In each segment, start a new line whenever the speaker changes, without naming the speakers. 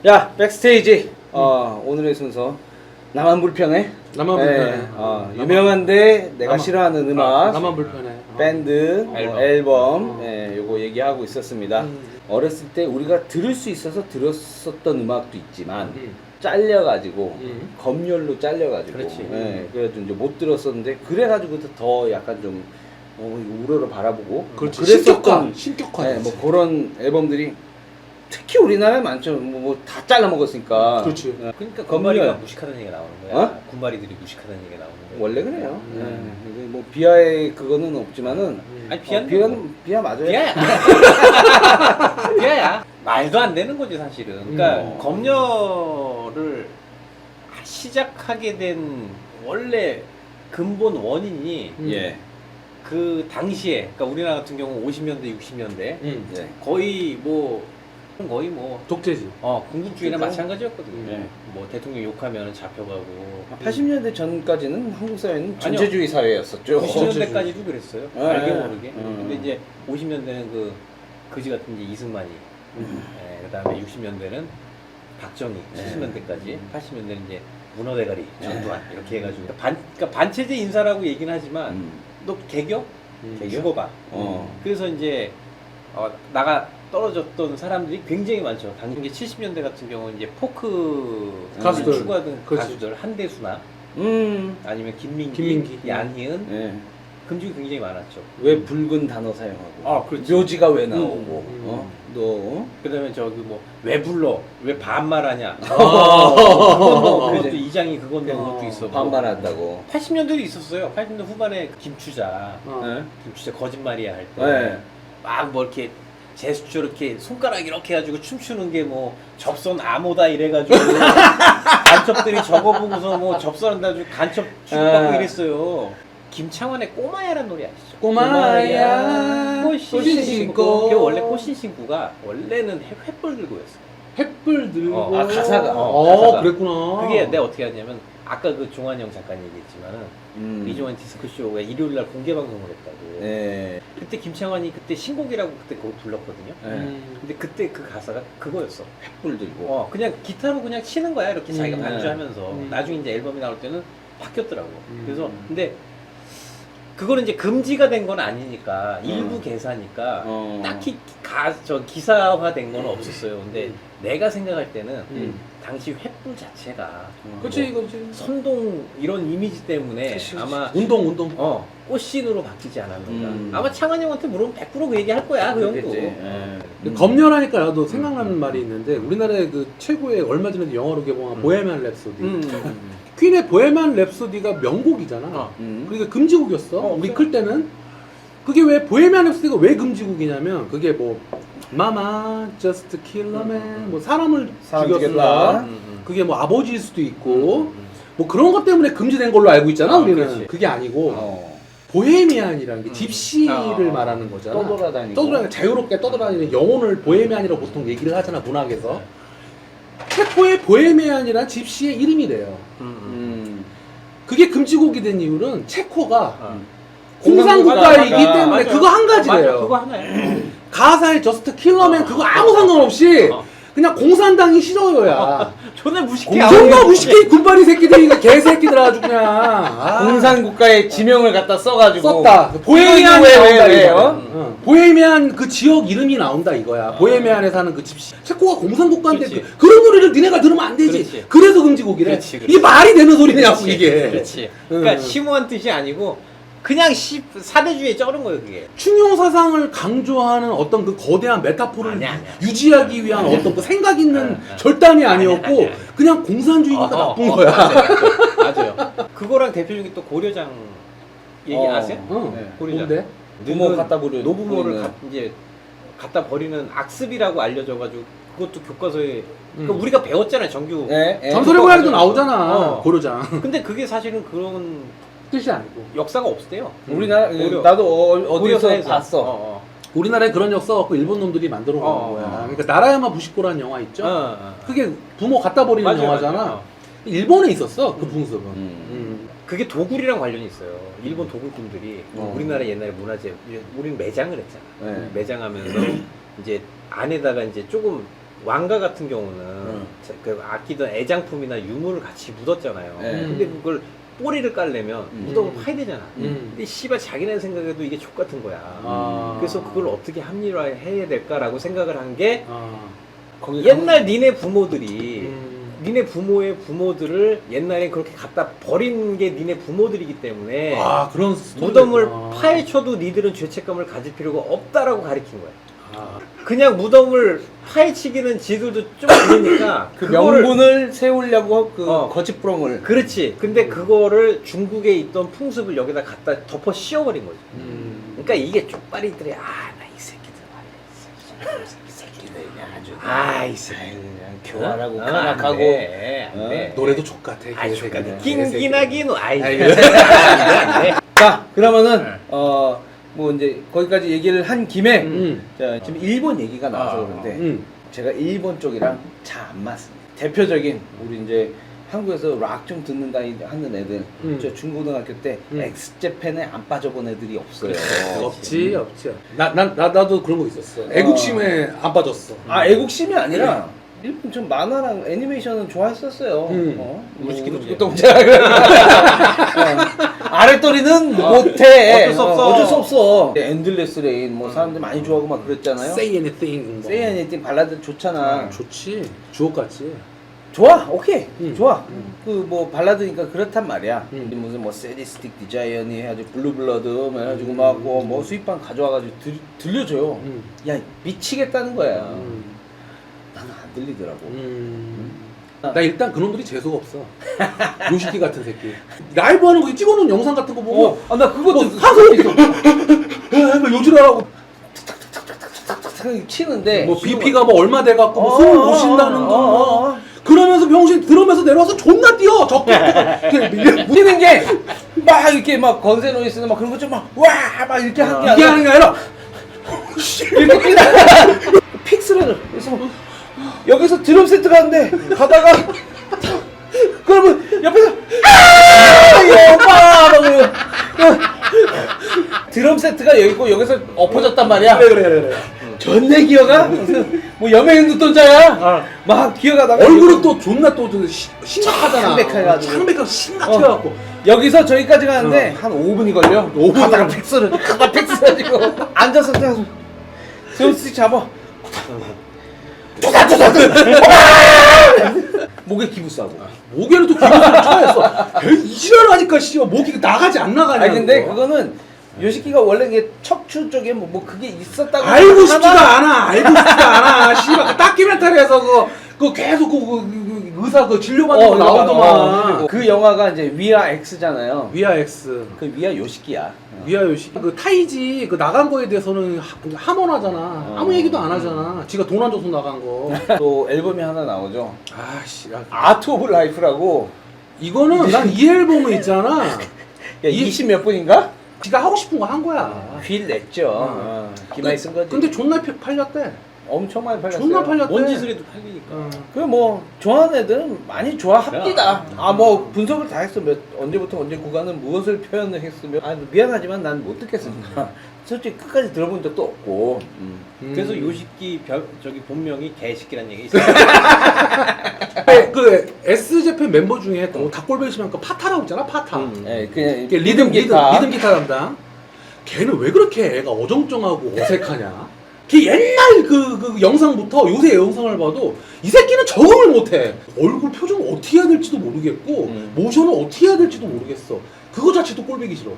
야, 백스테이지. 오늘의 순서 나만 불편해.
나만 불편해.
유명한데 내가 싫어하는 음악,
나만 불편해.
밴드, 앨범,
앨범.
요거 얘기하고 있었습니다. 어렸을 때 우리가 들을 수 있어서 들었었던 음악도 있지만 잘려가지고 검열로 잘려가지고,
그렇지.
그래가지고 이제 못 들었었는데 그래가지고 더 약간 좀 우러러 바라보고,
그렇지.
그랬었던
신격화.
뭐 그런 앨범들이 특히 우리나라에 많죠. 뭐 다 잘라 먹었으니까.
그렇지.
그러니까
검열.
군마리가 무식하다는 얘기가 나오는 거야.
어?
군마리들이 무식하다는 얘기가 나오는 거야.
원래 그래요. 뭐 비하의 그거는 없지만은
아니 비하는
비하 맞아요.
비하야. 비하야. 말도 안 되는 거지 사실은. 그러니까 검열을 시작하게 된 원래 근본 원인이
예.
그 당시에, 그러니까 우리나라 같은 경우 50년대, 60년대
예.
거의 뭐
독재지.
군국주의나
그렇죠.
마찬가지였거든요.
예.
뭐 대통령 욕하면 잡혀가고.
80년대 전까지는 한국 사회는
아니요.
전체주의 사회였었죠.
90년대까지도 그랬어요.
예.
알게 모르게.
음.
근데 이제 50년대는 그 거지 같은 이제 이승만이, 그다음에 60년대는 박정희, 70년대까지, 80년대는 이제 문어대가리, 전두환 이렇게 해가지고 그러니까 반체제 인사라고 얘기는 하지만 너 개교? 죽어봐. 그래서 이제 나가 떨어졌던 사람들이 굉장히 많죠. 당시 70년대 같은 경우는 이제 포크
가수들.
추구하던
그렇지.
가수들 한대수나 아니면 김민기, 양희은
예.
금죽이 굉장히 많았죠.
왜 붉은 단어 사용하고?
그렇지.
묘지가 왜 나오고? 너
그다음에 저기 뭐 왜 불러? 왜 반말하냐? 그것도
그지.
이장이 그건데 그것도 있어.
반발한다고.
80년대도 있었어요. 80년대 후반에 김추자,
예.
김추자 거짓말이야 할 때
네.
막 뭐 이렇게 제스처 이렇게 손가락 이렇게 해가지고 춤추는 게 뭐 접선 암호다 이래가지고 간첩들이 저거 보고서 뭐 접선한다 가지고 간첩 취급받고 이랬어요. 김창완의 꼬마야라는 노래 아시죠?
꼬마야
꽃신 신고. 그게 원래 꽃신 신고가 원래는 횃불 들고였어.
횃불 들고.
가사가.
가사가.
그랬구나.
그게 내가 어떻게 하냐면 아까 그 종환영 잠깐 얘기했지만은 이종환 디스크쇼가 일요일날 공개 방송을 했다고.
예.
그때 김창완이 그때 신곡이라고 그때 그거 불렀거든요.
예.
근데 그때 그 가사가 그거였어.
횃불 들고.
그냥 기타로 그냥 치는 거야 이렇게 자기가 반주하면서.
음.
나중에 이제 앨범이 나올 때는 바뀌었더라고. 그래서 근데 그거는 이제 금지가 된 건 아니니까 일부 개사니까 딱히 기사화된 건 없었어요. 근데 내가 생각할 때는 당시 횃불 자체가
그렇지, 그렇지.
선동 이런 이미지 때문에
그치.
아마
운동.
꽃신으로 바뀌지 않았는가.
음.
아마 창환 형한테 물으면 100% 그 얘기 할 거야 그 형도.
그랬지. 예.
근데 검열하니까 나도 생각나는 말이 있는데 우리나라의 그 최고의 얼마 전에 영화로 개봉한 보헤미안 랩소디. 퀸의 보헤미안 랩소디가 명곡이잖아. 그러니까 금지곡이었어. 우리 클 때는. 그게 왜 보헤미안 랩소디가 왜 금지곡이냐면 그게 뭐 마마 just kill a man 뭐 사람을
사람
죽였다.
죽였다.
그게 뭐 아버지일 수도 있고 뭐 그런 것 때문에 금지된 걸로 알고 있잖아. 우리는.
그렇지.
그게 아니고 보헤미안이라는 게 집시를 말하는 거잖아.
떠돌아다니고.
자유롭게 떠돌아다니는 영혼을 보헤미안이라고 보통 얘기를 하잖아, 문학에서. 체코의 보헤미안이란 집시의 이름이래요. 그게 금지곡이 된 이유는 체코가 공산국가이기
공산국가니까.
때문에
맞아요.
그거 한 가지래요.
맞아, 그거 하나야.
가사에 저스트 킬러맨 그거 아무 상관없이 그냥 공산당이 싫어요야.
존나 무식해.
존나 무식해 군발이 새끼들이 개새끼들 아주 그냥.
공산국가의 지명을 갖다 써가지고
썼다. 보헤미안
왜,
나온다
왜,
이거야. 보헤미안 그 지역 이름이 나온다 이거야. 보헤미안에 사는 그 집시. 체코가 공산국가인데
그렇지.
그런 노래를 니네가 들으면 안 되지.
그렇지.
그래서 금지곡이래.
그렇지.
이게 말이 되는 소리냐고 이게.
그렇지. 그러니까 심오한 뜻이 아니고 그냥 사대주의에 쩔은 거예요 그게.
충용 사상을 강조하는 어떤 그 거대한 메타포를
아니야.
유지하기 위한 어떤 그 생각 있는 절단이 아니었고
아니야.
그냥 공산주의니까 나쁜 거야.
맞아요. 그거랑 대표적인 또 고려장 얘기 아세요?
네.
고려장.
뭔데?
부모 갖다 버려.
노부모를 이제 갖다 버리는 악습이라고 알려져가지고 그것도 교과서에 그러니까 우리가 배웠잖아요 정규.
전설의 고향도 나오잖아. 고려장.
근데 그게 사실은 그런
뜻이 아니고.
역사가 없대요.
우리나라
고려.
나도 어디서
고려사에서.
봤어.
우리나라에 그런 역사 갖고 일본 놈들이 만들어 놓은 거야. 그러니까 나라야마 부시코라는 영화 있죠? 그게 부모 갖다 버리는
맞아요,
영화잖아.
맞아요.
일본에 있었어 그 풍습은.
그게 도굴이랑 관련이 있어요. 일본 도굴꾼들이 우리나라 옛날에 문화재, 우리는 매장을 했잖아.
네.
매장하면서 이제 안에다가 이제 조금 왕가 같은 경우는 그 아끼던 애장품이나 유물을 같이 묻었잖아요.
네.
근데 그걸 꼬리를 깔려면 무덤을 파야 되잖아.
음.
근데 씨발 자기네 생각에도 이게 족 같은 거야.
아.
그래서 그걸 어떻게 합리화해야 될까라고 생각을 한 게
거기
옛날 니네 부모들이
음.
니네 부모의 부모들을 옛날에 그렇게 갖다 버린 게 니네 부모들이기 때문에
아 그런 스토리가
무덤을
있구나.
파헤쳐도 니들은 죄책감을 가질 필요가 없다라고 가르친 거야.
아.
그냥 무덤을 파헤치기는 지들도 좀 그러니까
그
그거를-
명분을 세우려고 그
어.
거짓부렁을
그렇지. 근데 그거를 중국에 있던 풍습을 여기다 갖다 덮어 씌워버린 거지. 그러니까 이게 쪽발이들이 나 이 새끼들 말이야. 이 새끼들 그냥 아주 이 새끼들
그냥 교활하고
안
간악하고
돼, 안
어?
돼.
노래도 족같아.
아이
개새끼들.
족같아. 낑기나긴 아이.
자 그러면은 뭐 이제 거기까지 얘기를 한 김에 자, 지금 일본 얘기가 나와서 그런데 제가 일본 쪽이랑 잘 안 맞습니다. 대표적인 우리 이제 한국에서 락 좀 듣는다 하는 애들 저 중고등학교 때 엑스제팬에 안 빠져본 애들이 없어요.
없지. 나도 그런 거 있었어. 애국심에 안 빠졌어.
아 애국심이 아니라 일본 좀 만화랑 애니메이션은 좋아했었어요.
무지개 동작.
동작. 아랫도리는 못해.
어쩔 수 없어.
어쩔 수 없어. 엔들레스 레인 뭐 사람들 많이 좋아하고 막 그랬잖아요.
Say anything.
Say Anything 발라드 좋잖아.
좋지. 주옥같이.
좋아, 오케이, 좋아.
음.
그 뭐 발라드니까 그렇단 말이야.
음.
무슨 뭐 세디스틱 디자이언이 해가지고 블루블러드 뭐 해가지고 뭐 스윗밤 가져와가지고 들려줘요. 야 미치겠다는 거야. 나는 안 들리더라고.
나 일단 그놈들이 재수가 없어. 요시키 같은 새끼. 라이브 하는 거 찍어놓은 영상 같은 거 보고
나 그것도
하고 있어. 요즘하고
치는데
뭐 BP가 뭐 얼마 돼갖고 뭐 숨을 못 쉰다는 거.
어.
그러면서 병신 들으면서 내려와서 존나 뛰어. 적극
뛰는 게 막 이렇게 막 건세노이스는 막 그런 거 좀 막 와 막 이렇게 하는 게
이게 하는 게 아니라
이렇게 뛰다 픽스를 그래서 막 여기서 드럼 세트 가는데 가다가 그러면 옆에서 오빠 막 그러고 드럼 세트가 여기 있고 여기서 엎어졌단 말이야.
그래.
전내 기어가 뭐 여명인 눈동자야. 막 기어가다가
얼굴은 또 존나 또 심각하잖아.
창백해가지고.
창백하고 심각해갖고.
여기서 저기까지 가는데 한 5분이 걸려. 5분 가다가 팩스를 가다 팩스 가지고 앉아서 그냥 드럼 스틱 잡아. 목에 기부 싸고.
목에는 또 기분을 처했어. 이지랄 하니까 씨발 목이 나가지 안 나가냐.
아니 근데 그거는 요시키가 원래 이게 척추 쪽에 뭐 그게 있었다고
알고 싶지가 않아. 씨발 그 다큐멘터리에서 그 계속 그 의사 그 진료받는 거 나오더만.
그 영화가 이제 위아 X잖아요.
위아 X.
그 위아 요시키야.
위아 요시. 그 타이지 그 나간 거에 대해서는 함언하잖아. 아무 얘기도 안 하잖아. 지가 돈 안 줘서 나간 거.
또 앨범이 하나 나오죠.
아씨.
아트 오브 라이프라고.
이거는 난 이 앨범은 있잖아.
야, 20 몇 분인가?
지가 하고 싶은 거 한 거야.
휠 냈죠. 기마이 쓴 거지.
근데 존나 팔렸대.
엄청 많이 팔렸어요.
존나 팔렸대.
뭔 짓을 해도 팔리니까.
그 뭐 좋아하는 애들은 많이 좋아합니다. 아 뭐 분석을 다 했어. 언제부터 언제 구간은 무엇을 표현을 했으며 미안하지만 난 못 듣겠습니다. 솔직히 끝까지 들어본 적도 없고.
그래서 요시키 저기 본명이 개새끼란 얘기 있어요.
그 S재팬 멤버 중에 또 닭골뱅이 심한 그 파타라고 있잖아. 파타.
예, 그냥
이게 리듬 기타 담당. 걔는 왜 그렇게 애가 어정쩡하고 어색하냐? 걔 옛날 그 영상부터 요새 영상을 봐도 이 새끼는 적응을 못해. 얼굴 표정을 어떻게 해야 될지도 모르겠고 모션을 어떻게 해야 될지도 모르겠어. 그거 자체도 꼴보기 싫어.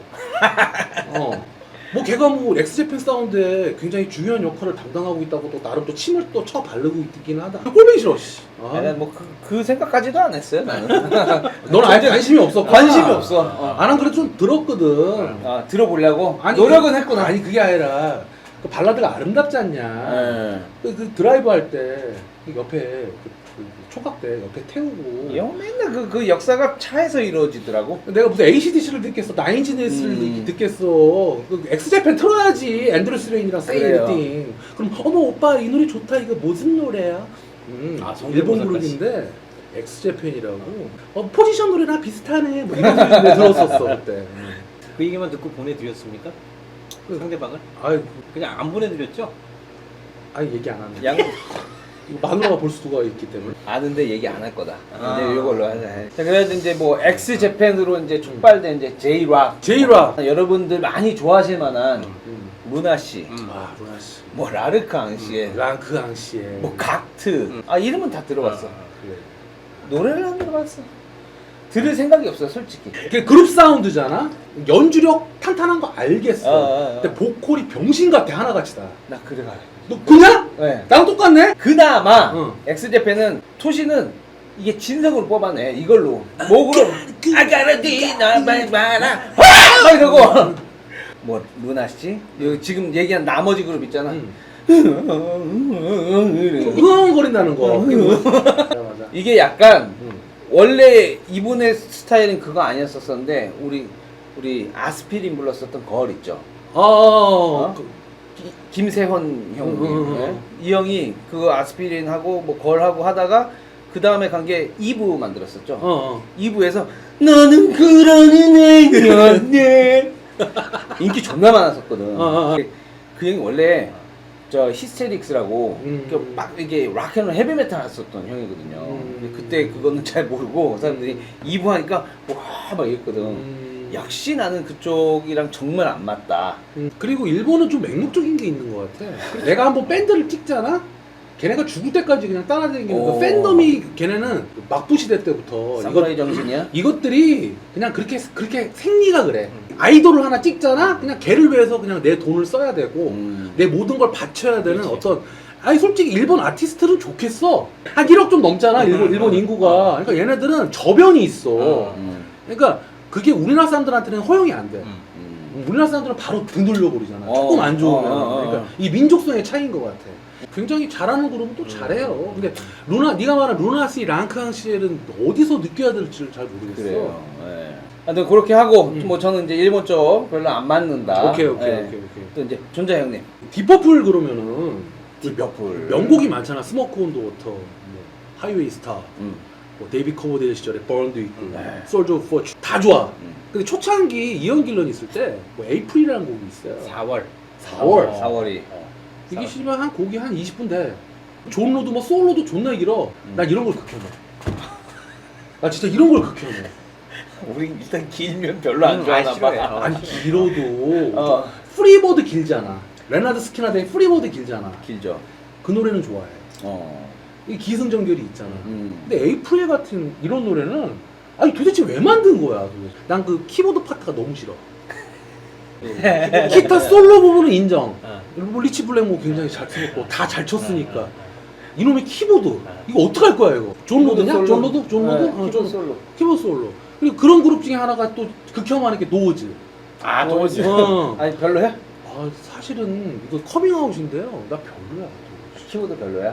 뭐 걔가 뭐 엑스제팬 사운드에 굉장히 중요한 역할을 담당하고 있다고 또 나름 또 침을 또 쳐 바르고 있긴 하다. 꼴보기 싫어. 씨.
난 뭐 그 생각까지도 안 했어요. 나는.
넌 아예 관심이 없어.
관심이 없어.
난 그래도 좀 들었거든.
들어보려고.
아니,
노력은 했구나.
아니 그게 아니라 그 발라드가 아름답지 않냐. 그 드라이브 할 때 옆에 그 총각대 옆에 태우고.
형 맨날 그 역사가 차에서 이루어지더라고.
내가 무슨 AC/DC를 듣겠어, 나인지네스를 듣겠어. 그 엑스제팬 틀어야지. 앤드루스 레인이랑 세이 에니띵. 그럼 어머 오빠 이 노래 좋다. 이거 무슨 노래야? 일본 그룹인데 엑스제팬이라고. 포지션 노래랑 비슷하네. 뭐 이런 소리 들었었어 그때.
그 얘기만 듣고 보내드렸습니까? 상대방을?
아이
그냥 안 보내드렸죠?
얘기 안 하네. 이거 마누라가 볼 수가 있기 때문에.
아는데 얘기 안 할 거다. 이제 이걸로 하자. 자, 그래서 이제 뭐 엑스 재팬으로 이제 촉발된 이제 제이락. 여러분들 많이 좋아하실 만한 루나 씨,
아 루나 씨,
뭐 라르캉 씨의,
랑크앙 씨의,
뭐 각트. 아 이름은 다 들어봤어.
그래.
노래를 안 들어봤어. 들을 생각이 없어 솔직히.
그게 그룹 사운드잖아. 연주력 탄탄한 거 알겠어. 근데 보컬이 병신 같아 하나같이 다.
나 그래가.
너 그냥?
네.
나랑 똑같네?
그나마
응.
엑스제팬은 토시는 이게 진성으로 뽑아내 이걸로 목으로 아가라디 나말 마라 막 이러고 뭐 루나 씨 여기 지금 얘기한 나머지 그룹 있잖아.
흥얼거린다는 거. 맞아 맞아.
이게 약간 원래 이분의 스타일은 그거 아니었었는데 우리 아스피린 불렀었던 걸 있죠.
어?
김세헌 형님. 네? 이 형이 그 아스피린 하고 뭐 걸 하고 하다가 그 다음에 간 게 2부 만들었었죠. 2부에서 너는 그런 애였네. 인기 존나 많았었거든. 그 형이 원래 저 히스테릭스라고 막 이게 락앤롤 헤비메탈 했었던 형이거든요. 근데 그때 그거는 잘 모르고 사람들이 2부 하니까 와 막 이랬거든. 역시 나는 그쪽이랑 정말 안 맞다.
그리고 일본은 좀 맹목적인 게 있는 것 같아. 내가 한번 밴드를 찍잖아? 걔네가 죽을 때까지 그냥 따라다니는 그 팬덤이 걔네는 막부 시대 때부터
사무라이 정신이야?
이것들이 그냥 그렇게 생리가 그래. 아이돌을 하나 찍잖아? 그냥 걔를 위해서 그냥 내 돈을 써야 되고 내 모든 걸 바쳐야 되는
그렇지.
어떤 아니 솔직히 일본 아티스트는 좋겠어. 한 1억 좀 넘잖아 일본 인구가. 그러니까 얘네들은 저변이 있어. 그러니까 그게 우리나라 사람들한테는 허용이 안 돼. 우리나라 사람들은 바로 등 돌려버리잖아. 조금 안 좋으면. 그러니까 이 민족성의 차이인 것 같아. 굉장히 잘하는 그룹은 또 잘해요. 근데 네가 말한 루나 씨, 랑크앙 씨는 어디서 느껴야 될지 잘 모르겠어.
그래요. 네. 하여튼 그렇게 하고 뭐 저는 이제 일본 쪽 별로 안 맞는다.
오케이.
또 이제 존자 형님.
디퍼플 그러면은
디퍼플
명곡이 많잖아. 스모크 온 더 워터, 뭐 하이웨이 스타, 뭐 데이비 커버데일 시절에 번도 있고, 솔저 오브 포춘 다 좋아. 근데 초창기 이언 길런 있을 때 뭐 에이프릴이라는 곡이 있어요. 4월.
4월이.
이게 씨발 한 곡이 한 20분 돼. 존 로드 뭐 솔로도 존나 길어. 난 이런 걸 극혐해. 나 진짜 이런 걸 극혐해.
우리 일단 길면 별로 안 좋아하나 봐.
아니 길어도 프리보드 길잖아. 레나드 스키나데이 프리보드 길잖아.
길죠.
그 노래는 좋아해. 이 기승전결이 있잖아. 근데 에이프릴 같은 이런 노래는 아니 도대체 왜 만든 거야? 난 그 키보드 파트가 너무 싫어. 기타 솔로 부분은 인정. 뭐 리치 블랙모 굉장히 잘 쳤고 다 잘 쳤으니까. 이놈의 키보드 이거 어떡할 거야 이거? 존 로드냐? 존 로드?
키보드 솔로.
키보드 솔로. 그리고 그런 그룹 중에 하나가 또 극혐하는 게 노즈.
노즈. 아니 별로야?
아 사실은 이거 커밍아웃인데요. 나 별로야.
키보드 별로야?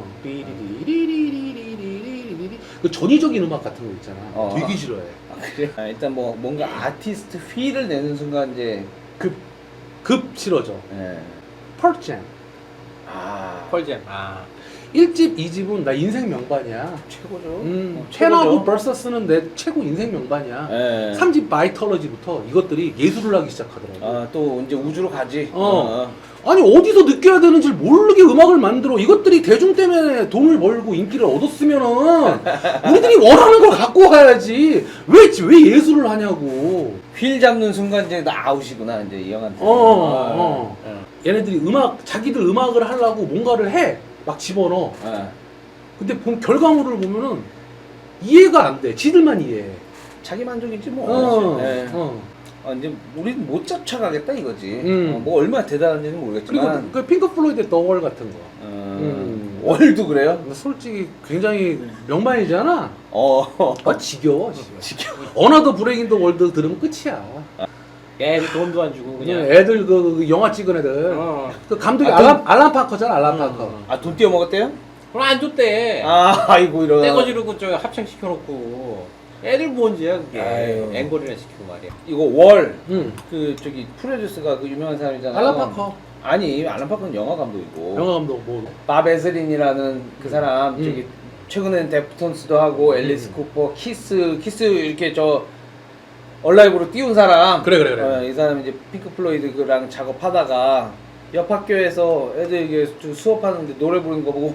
삐리리리리리리리리리 그 전위적인 음악 같은 거 있잖아. 되게 싫어해.
그래? 일단 뭐 뭔가 아티스트 휠을 내는 순간 이제
급 싫어져.
예.
펄잼.
펄잼.
1집, 2집은 나 인생 명반이야.
최고죠.
첸하고 버서스는 내 최고 인생 명반이야.
예.
3집 바이털러지부터 이것들이 예술을 하기 시작하더라고.
또 이제 우주로 가지.
아니 어디서 느껴야 되는지 모르게 음악을 만들어. 이것들이 대중 때문에 돈을 벌고 인기를 얻었으면은 우리들이 원하는 걸 갖고 가야지. 왜 예술을 하냐고.
휠 잡는 순간 이제 나 아웃이구나 이제 이 형한테.
얘네들이 자기들 음악을 하려고 뭔가를 해. 막 집어넣어. 근데 결과물을 보면은 이해가 안 돼. 지들만 이해해.
자기 만족이지 뭐. 이제 우리는 못 쫓아가겠다 이거지. 뭐 얼마나 대단한지는 모르겠지만.
그리고 그 핑크 플로이드의 더 월 같은 거.
월도 그래요?
근데 솔직히 굉장히 명반이잖아. 지겨워.
지겨워.
어나더 브레이크 인 더 월드 들으면 끝이야.
애들 돈도 안 주고 그냥.
애들 그 영화 찍은 애들. 그 감독이 알란 파커잖아. 알란 파커.
돈 띄워 먹었대요?
그럼 안 줬대.
아이고 이런.
떼거 지르고 저 합창 시켜놓고. 애들 뭔지야 그게.
아유.
앵콜이나 시키고 말이야.
이거 월. 그 저기 프로듀스가 그 유명한 사람이잖아.
알란 파커.
아니 알란 파커는 영화 감독이고.
영화 감독 뭐.
밥 에스린이라는 그 사람 저기 최근에는 데프톤스도 하고 앨리스 쿠퍼, 키스 이렇게 저 얼라이브로 띄운 사람.
그래.
이 사람이 이제 핑크 플로이드랑 작업하다가 옆 학교에서 애들 이게 수업하는데 노래 부르는 거 보고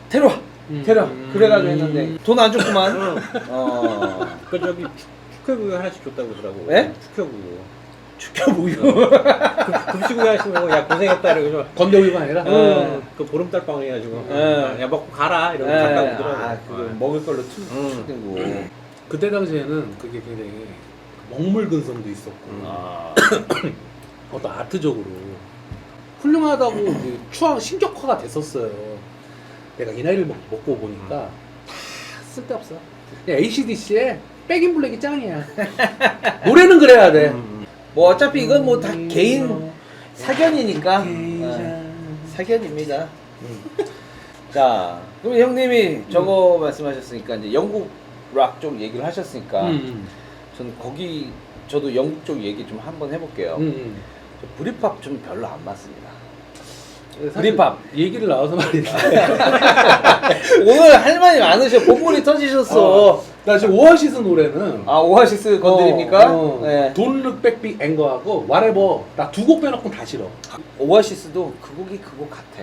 데려와 그래가지고 했는데 돈 안 줬구만.
그 저기 축혀구이 하나씩 줬다고 그러더라고.
네?
축혀구이.
축혀보유.
급식구이 하시면 야 고생했다 이러고
건더기가 아니라.
그 보름달 빵 해가지고
예.
야 먹고 가라 이러고 갔다 오더라고.
아, 그거 먹을 걸로 툭툭
그때 당시에는 그게 굉장히 먹물근성도 있었고 어떤 아트적으로 훌륭하다고 이제 신격화가 됐었어요. 내가 이 나이를 먹고 보니까 다 쓸데없어. AC/DC의 백인 블랙이 짱이야. 노래는 그래야 돼.
뭐 어차피 이건 뭐 다 개인 사견이니까 사견입니다. 자, 그럼 형님이 저거 말씀하셨으니까 이제 영국 락 쪽 얘기를 하셨으니까 저는 저도 영국 쪽 얘기 좀 한번 해볼게요. 저 브릿팝 좀 별로 안 맞습니다. 브릿팝
얘기를 나와서 말이야.
오늘 할 말이 많으셔. 본문이 터지셨어.
나 지금 오아시스 노래는
아, 오아시스 건드립니까? 네.
Don't Look Back Big Anger하고 Whatever 나 두 곡 빼놓고는 다 싫어.
오아시스도 그 곡이 그 곡 같아.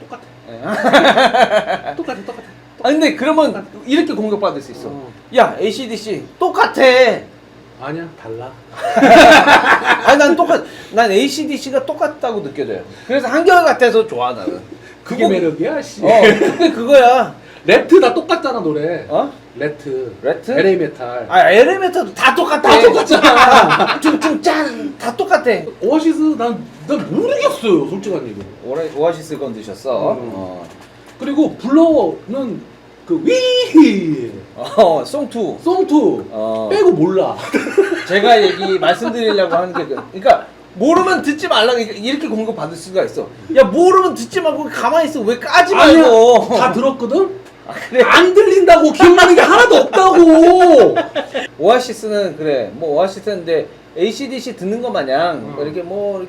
똑같아. 똑같아.
아 근데 그러면 이렇게 공격받을 수 있어. 야, AC/DC 똑같아.
아니야, 달라.
아니 난 AC/DC가 똑같다고 느껴져요. 그래서 한결같아서 좋아 나는.
그게 매력이야, 씨.
그게 그거야.
레트 다 똑같잖아, 노래.
레트?
LA 메탈.
아, LA 메탈도 다 똑같아.
다 똑같잖아.
퉁퉁짠 다 똑같아.
오아시스 난 모르겠어요, 솔직한 얘기.
오아시스 건드셨어.
그리고 블러는 그 위.
송투.
송투 빼고 몰라.
제가 말씀드리려고 하는 게 그러니까 모르면 듣지 말라고 이렇게 공격 받을 수가 있어. 야, 모르면 듣지 말고 가만히 있어. 왜 까지 말고.
아니야, 다 들었거든.
그래.
안 들린다고. 기억나는 게 하나도 없다고.
오아시스는 그래. 뭐 오아시스인데 AC/DC 듣는 것 마냥 이렇게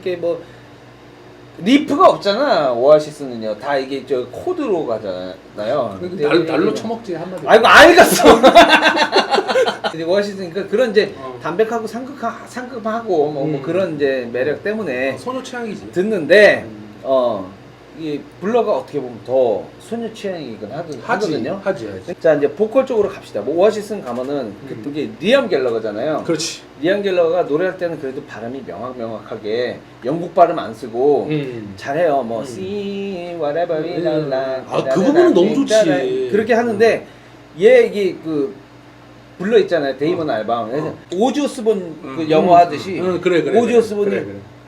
리프가 없잖아. 오아시스는요. 다 이게 저 코드로 가잖아요.
날로 처먹지 한마디.
아이고 알겠어. 근데 오아시스니까 그런 이제 담백하고 상큼하고 뭐 그런 이제 매력 때문에
소녀 취향이지.
듣는데 이 블러가 어떻게 보면 더 소녀 취향이긴 하거든요.
하지.
자, 이제 보컬 쪽으로 갑시다. 뭐 오아시스 가면은 그게 리암 갤러거잖아요.
그렇지.
리암 갤러가 노래할 때는 그래도 발음이 명확하게 영국 발음 안 쓰고 잘해요. 뭐 see whatever we like.
그 부분은 너무 좋지.
그렇게 하는데 얘 이게 그 불러 있잖아요. 데이먼 알밤. 오지 오스본 그 영어 하듯이
그래.
오지 오스본이
그래.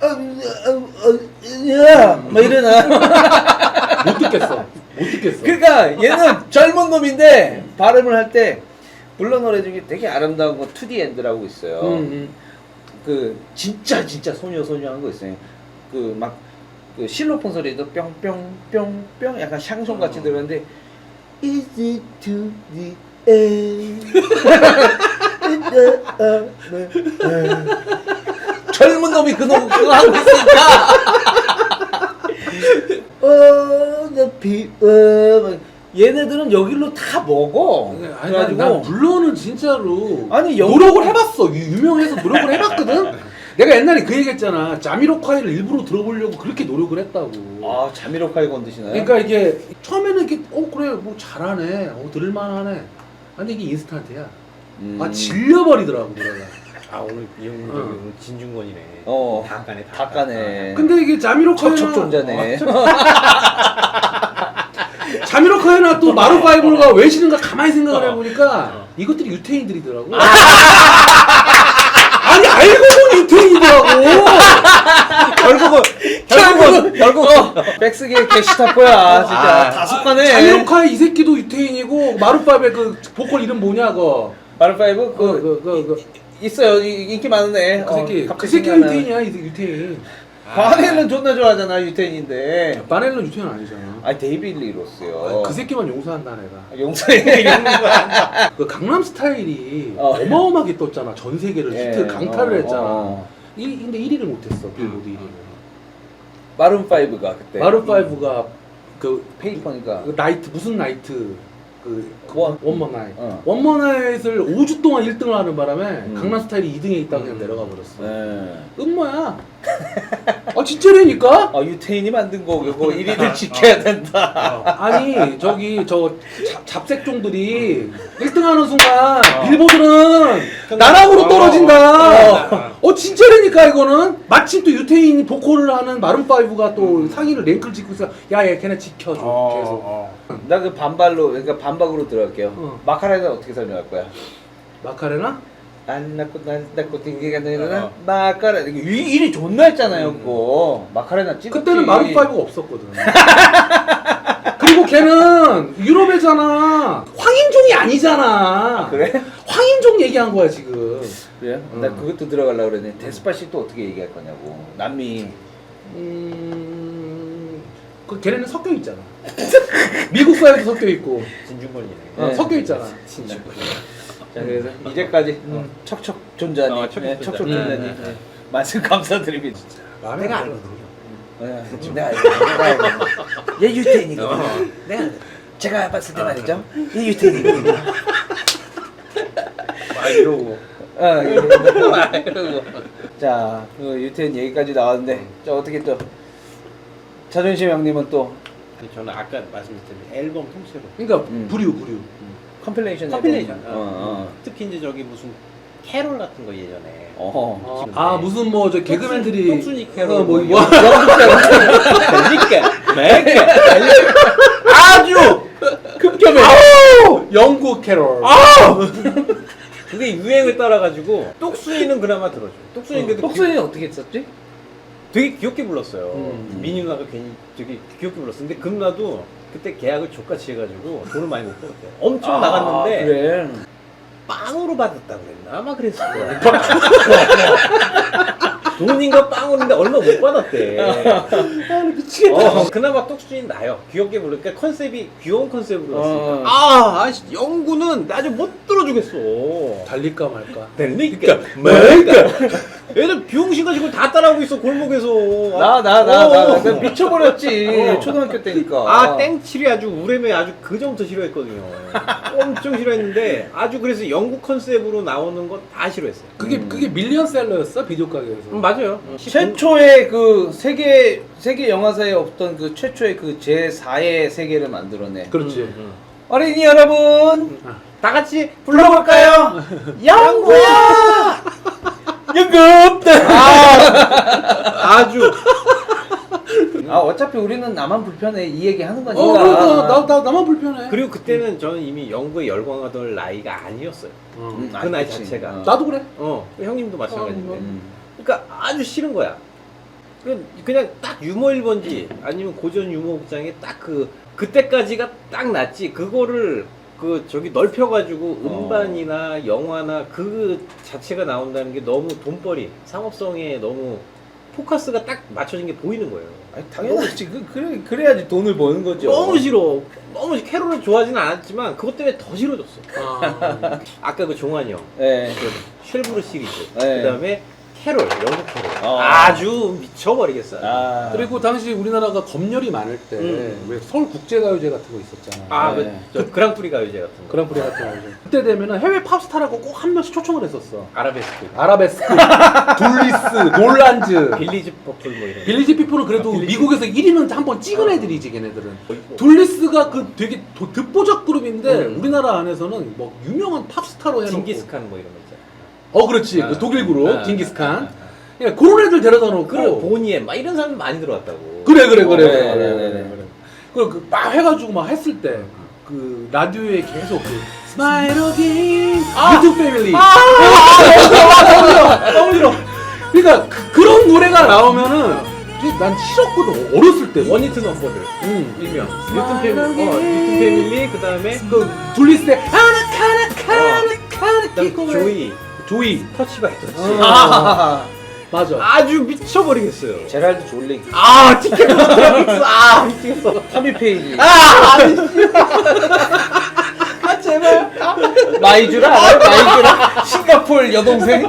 막 이러나.
못 듣겠어.
그러니까 얘는 젊은 놈인데 발음을 할 때 불러 노래 중에 되게 아름다운 거 투디 엔드라고 있어요. 그 진짜 소녀한 거 있어요. 그 막 그 실로폰 소리도 뿅뿅뿅뿅 약간 샹송 같이 들었는데 Is it to the end? 젊은 놈이 그거 하고 있으니까 the people 얘네들은 여기로 다 먹어.
아니, 난 블러는 진짜로
아니,
노력을 해봤어. 유명해서 노력을 해봤거든. 내가 옛날에 그 얘기했잖아. 자미로콰이를 일부러 들어보려고 그렇게 노력을 했다고.
아, 자미로콰이 건드시나요?
그러니까 이게 처음에는 이렇게 그래 뭐 잘하네, 들을만하네. 근데 이게 인스턴트야. 질려버리더라고 노래가.
아 오늘 이 형님 저기 진중권이네.
다 까네.
근데 이게 자미로콰이나
척척존자네.
자미로콰이나 또 마룬5가 왜 싫은가 가만히 생각을 해보니까 이것들이 유태인들이더라고. 아니 알고 보니 유태인이더라고.
결국은 백스계 게시타포야 진짜 다 속가네.
자미로콰이 이 새끼도 유태인이고 마룬5의 그 보컬 이름 뭐냐 그
마룬5 있어요. 인기 많은 애.
그 새끼가 유태인이야. 유태인.
바넬은 존나 좋아하잖아. 유태인인데.
바넬은 유태인 아니잖아.
아니 데이비드 리 로스요.
그 새끼만 용서한다 내가.
용서해.
그 강남 스타일이 어마어마하게 떴잖아. 전 세계를 히트 강타를 했잖아. 근데 1위를 못했어. 빌보드 1위를.
마룬5가 그때.
마룬5가 그
페이퍼니까.
그 나이트 무슨 나이트 원머 나잇.
어.
원머 나잇을 5주 동안 1등을 하는 바람에 강남 스타일이 2등에 있다가 그냥 내려가 버렸어. 음모야. 아 진짜라니까?
유태인이 만든 거고 1위를 지켜야 된다.
아니 저기 저 잡색종들이 1등하는 순간 빌보드는 나락으로 떨어진다. 진짜라니까 이거는 마침 또 유태인이 보컬을 하는 마룬5가 또 상위를 랭크를 짓고 있어. 야얘 걔네 지켜줘 계속.
나 그 그러니까 반박으로 들어갈게요. 마카레나 어떻게 설명할 거야?
마카레나?
안 낳고 딩기가 되나 마카레나 일이 존나 했잖아요 그거. 마카레나 찍었지.
그때는 마룬5가 없었거든. 그리고 걔는 유럽애잖아. 황인종이 아니잖아.
그래?
황인종 얘기한 거야 지금.
그래? 나 그것도 들어가려고 그랬는데 데스파시토 어떻게 얘기할 거냐고. 남미.
그 걔네는 섞여 있잖아. 미국 사회도 섞여 있고.
진중권이네.
섞여 있잖아.
진중권.
자 그래서 이제까지 척척 존자니. 척척 존자니. 말씀 감사드립니다. 진짜.
내가 알거든요.
내가 알고. 얘 유태인이거든. 내가 제가 봤을 때 말이죠. 얘 유태인이거든요.
이러고.
이러고. 자, 그 유태인 얘기까지 나왔는데, 자 어떻게 또 자존심 형님은 또
저는 아까 말씀드린 앨범 통째로.
그러니까 부류.
컴필레이션.
컴필레이션.
어.
특히 이제 저기 무슨 캐롤 같은 거 예전에.
무슨 뭐 저 개그맨들이
똥순이 캐롤.
그러니까
아주 급격해.
영국 캐롤.
그게 유행을 따라가지고 똑순이는 그나마 들어줘. 똑순이는 그래도
복수는 어떻게 했었지?
되게 귀엽게 불렀어요. 민희 누나가 괜히 되게 귀엽게 불렀어. 근데 그 누나도 그때 계약을 족같이 해가지고 돈을 많이 못 벌었대. 엄청 나갔는데
그래.
빵으로 받았다 그랬나? 아마 그랬을 거야. 돈인가 빵으로인데 얼마 못 받았대. 미치겠다. 그나마 똑순이는 나요. 귀엽게 부르니까 컨셉이 귀여운 컨셉으로 왔으니까. 영구는 아주 못 들어주겠어.
달릴까 말까.
달릴까 말까. 애들 비용신가지 그걸 다 따라하고 있어 골목에서.
나 미쳐버렸지. 초등학교 때니까.
땡칠이 아주 우레메 아주 그 전부터 싫어했거든요. 엄청 싫어했는데 아주 그래서 영국 컨셉으로 나오는 거 다 싫어했어요.
그게 밀리언셀러였어 비디오 가게에서.
맞아요.
최초의 그 세계 영화사에 없던 그 최초의 그 제4의 세계를 만들어내.
그렇지.
어린이 여러분,
다 같이
불러볼까요? 영구야! 연급!
아주
어차피 우리는 나만 불편해 이 얘기 하는 거니까.
그러니까 나만 불편해.
그리고 그때는 저는 이미 영구에 열광하던 나이가 아니었어요. 그 나이
그치.
자체가.
나도 그래.
형님도 마찬가지인데. 그러니까 아주 싫은 거야. 그냥 딱 유머 1번지 아니면 고전 유머 극장에 딱 그때까지가 딱 났지. 그거를 저기 넓혀가지고 음반이나 영화나 그 자체가 나온다는 게 너무 돈벌이, 상업성에 너무 포커스가 딱 맞춰진 게 보이는 거예요.
아니, 당연하지. 그래야지 돈을 버는 거죠.
너무 싫어. 너무 캐롤을 좋아하지는 않았지만 그것 때문에 더 싫어졌어. 아까 그 종환이 형,
네.
쉘브르 시리즈,
네.
그다음에 캐롤, 영국 캐롤 아주 미쳐버리겠어요.
그리고 당시 우리나라가 검열이 많을 때 왜 서울 국제가요제 같은 거 있었잖아.
저 그랑프리 가요제 같은 거.
그랑프리 같은 거. 그때 되면은 해외 팝스타라고 꼭 한 명씩 초청을 했었어.
아라베스크,
둘리스, 놀란즈,
빌리지 퍼플 뭐 이런.
빌리지 피플은 그래도 미국에서 1위는 한번 찍은 애들이지 걔네들은. 둘리스가 그 되게 듣보잡 그룹인데 우리나라 안에서는 뭐 유명한 팝스타로 해놓고.
징기스칸 뭐 이런 거 있잖아.
그렇지. 그 독일 그룹 징기스칸. 그러니까 그런 애들 데려다 놓고.
그래 보니에 막 이런 사람 많이 들어왔다고.
그래.
네.
그리고 막 해가지고 막 했을 때 그 라디오에 계속 스마일 어게인 유튜브 패밀리. 너무 싫어. 그러니까 그런 노래가 나오면은 난 싫었거든 어렸을 때.
원히트 넘버들. 일명. 뉴튼 패밀리 그다음에
그 둘리스의
그다음 조이 터치 바이 터치.
맞아.
아주 미쳐버리겠어요.
제랄드 졸링.
티켓 미치겠어.
타미 페이지.
제발.
마이주라 알아요? 마이주라? 싱가폴 여동생?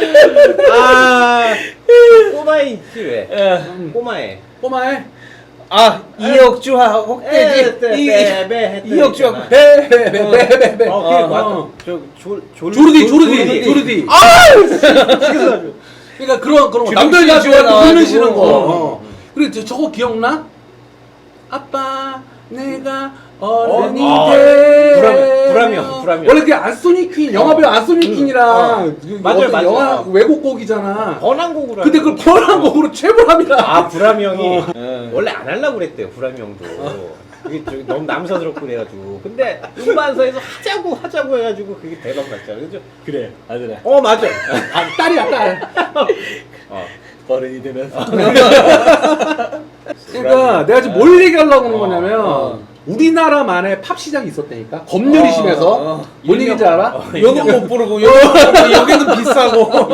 꼬마에 있지 왜? 꼬마에.
이혁주와 혹대지. 이혁주와
베베베베베베. 조르디. 그러니까 그런 거. 남들 가지고 눈을 쉬는 거. 그리고 저거 기억나? 아빠 내가 어른이 돼.
불암이요.
원래 그 안소니 퀸 영화배우 안소니 퀸이랑
맞아요.
영화 외국곡이잖아.
번안곡으로.
근데 그걸 번안곡으로 최불암이라.
불암이 형이 원래 안 하려고 그랬대요. 불암이 형도. 그게 너무 남사스럽고 그래가지고. 근데 음반사에서 하자고 해가지고 그게 대박 났잖아. 그죠?
그래 아들아.
맞아.
딸이야 딸.
어른이 되면서.
그러니까 내가 지금 뭘 얘기하려고 하는 거냐면 우리나라만의 팝 시장이 있었다니까. 검열이 심해서. 뭔 얘기인지 알아?
여는 못 부르고 여기는 비싸고.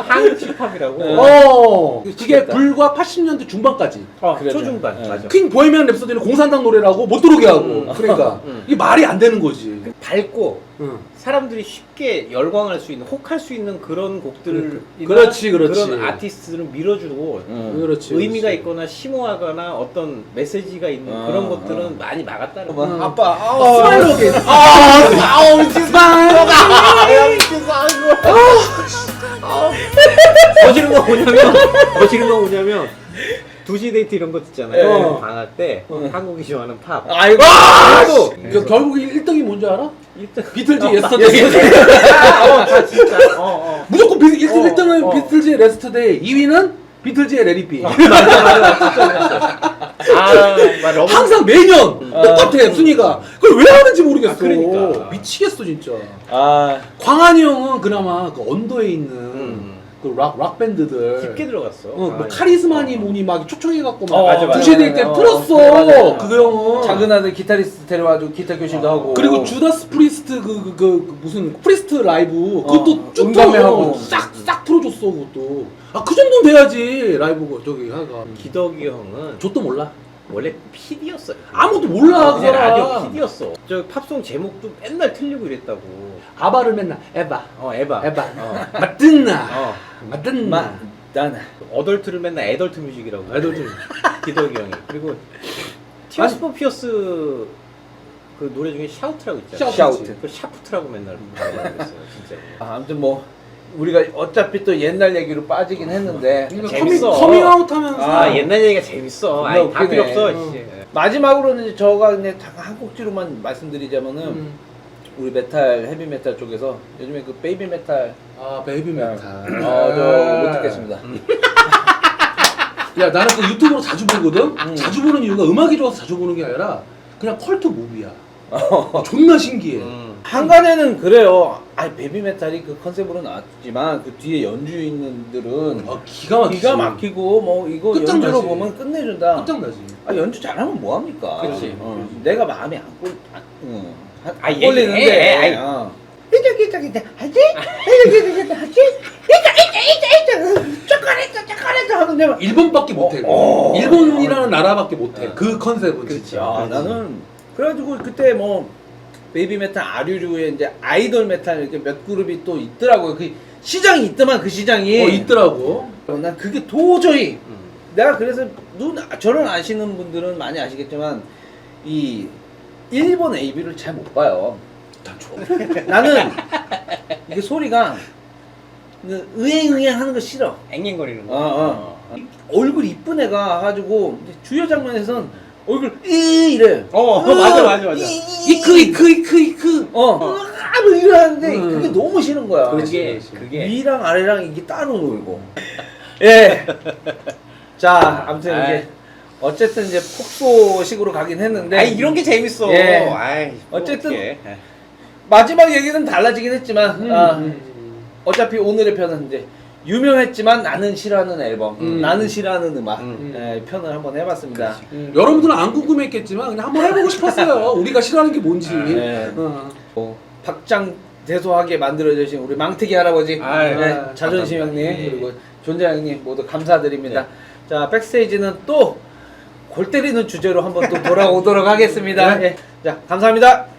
한치팝이라고.
그게 불과 80년대 중반까지.
초중반. 맞아.
퀸 보헤미안 랩소디는 공산당 노래라고 못 들어오게 하고. 그러니까 이게 말이 안 되는 거지.
밝고 사람들이 쉽게 열광할 수 있는, 혹할 수 있는 그런 곡들을
그렇지.
그런 아티스트들은 밀어주고
그렇지.
의미가 있거나 심오하거나 어떤 메시지가 있는 그런 것들은 많이 막았다는 거야.
아빠
스마일 어게인.
거시는 거 뭐냐면 2시 데이트 이런 거 듣잖아요. 방학 때 한국이 좋아하는 팝.
아이고.
결국 1등이 뭔지 알아?
1등.
비틀즈 예스터데이.
진짜.
무조건 1등은 비틀즈의 레스터데이, 2위는 비틀즈의 레리비.
맞아.
항상 매년 똑같아 순위가. 그걸 왜 하는지 모르겠어.
그러니까.
미치겠어 진짜.
아
광한이 형은 그나마 그 언더에 있는 그 락 밴드들
깊게 들어갔어.
뭐 카리스마니 뭐니 막 초청해갖고
맞아.
막 2시에 될 때 틀었어.
맞아.
그 형은
작은 아들 기타리스트 데려와주고 기타 교실도 하고.
그리고 주다스 프리스트 그 무슨 프리스트 라이브 그것도 쭉
음감회하고.
싹 틀어줬어 그것도. 그 정도는 돼야지 라이브 저기 하가.
기덕이 형은
저도 몰라.
원래 PD였어요.
아무것도 몰라 그
그냥 라디오
사람.
PD였어. 저 팝송 제목도 맨날 틀리고 이랬다고.
아바를 맨날 에바.
에바.
맞든나. 맞든나.
나는
어덜트를 맨날 애덜트 뮤직이라고.
애덜트.
기덕이 형이. 그리고 티어스 포 피어스 그 노래 중에 샤우트라고 있잖아.
샤우트.
그 샤프트라고 맨날 말했어요, 진짜.
아무튼 뭐 우리가 어차피 또 옛날 얘기로 빠지긴 했는데
재밌어.
커밍아웃 하면서
옛날 얘기가 재밌어.
근데
다 필요
웃기네.
없어. 씨.
마지막으로는 이제 저가 그냥 잠깐 한 곡지로만 말씀드리자면은 우리 메탈 헤비 메탈 쪽에서 요즘에 그 베이비 메탈
베이비 메탈.
저 못 듣겠습니다.
야 나는 그 유튜브로 자주 보거든. 자주 보는 이유가 음악이 좋아서 자주 보는 게 아니라 그냥 컬트 무비야. 존나 신기해.
한간에는 그래요. 베이비 메탈이 그 컨셉으로 나왔지만 그 뒤에 연주인들은
기가
막히고 뭐 이거
끝장나지.
연주로 보면 끝내준다.
끝장나지.
연주 잘하면 뭐 합니까?
그치.
내가 마음이 안
얘기해.
꼴리는데. 하는데 막
일본밖에 못해. 일본이라는 나라밖에 못해. 그 컨셉은 진짜.
나는 그래가지고 그때 뭐 베이비 메탈 아류류의 이제 아이돌 메탈 이렇게 몇 그룹이 또 있더라고요. 그 시장이 있더만 그 시장이
있더라고.
난 그게 도저히 내가 그래서 저를 아시는 분들은 많이 아시겠지만 이 일본 AB를 잘 못 봐요. 나는 이게 소리가 의행의행 하는 거 싫어.
앵앵거리는 거.
얼굴 이쁜 애가 가지고 주요 장면에선 얼굴 이래.
맞아.
이크.
뭐 이러는데 그게 너무 싫은 거야.
그게
위랑 아래랑 이게 따로 놀고. 예. 자, 아무튼 이제 어쨌든 이제 폭소식으로 가긴 했는데.
이런 게 재밌어.
예. 어쨌든 마지막 얘기는 달라지긴 했지만 어차피 오늘의 편은 이제 유명했지만 나는 싫어하는 앨범, 나는 싫어하는 음악 편을 한번 해봤습니다.
여러분들은 안 궁금했겠지만 그냥 한번 해보고 싶었어요. 우리가 싫어하는 게 뭔지.
박장대소하게 만들어주신 우리 망태기 할아버지, 자존심 형님 그리고 존재 형님 모두 감사드립니다. 자, 백스테이지는 또 골 때리는 주제로 한번 또 돌아오도록 하겠습니다. 자, 감사합니다.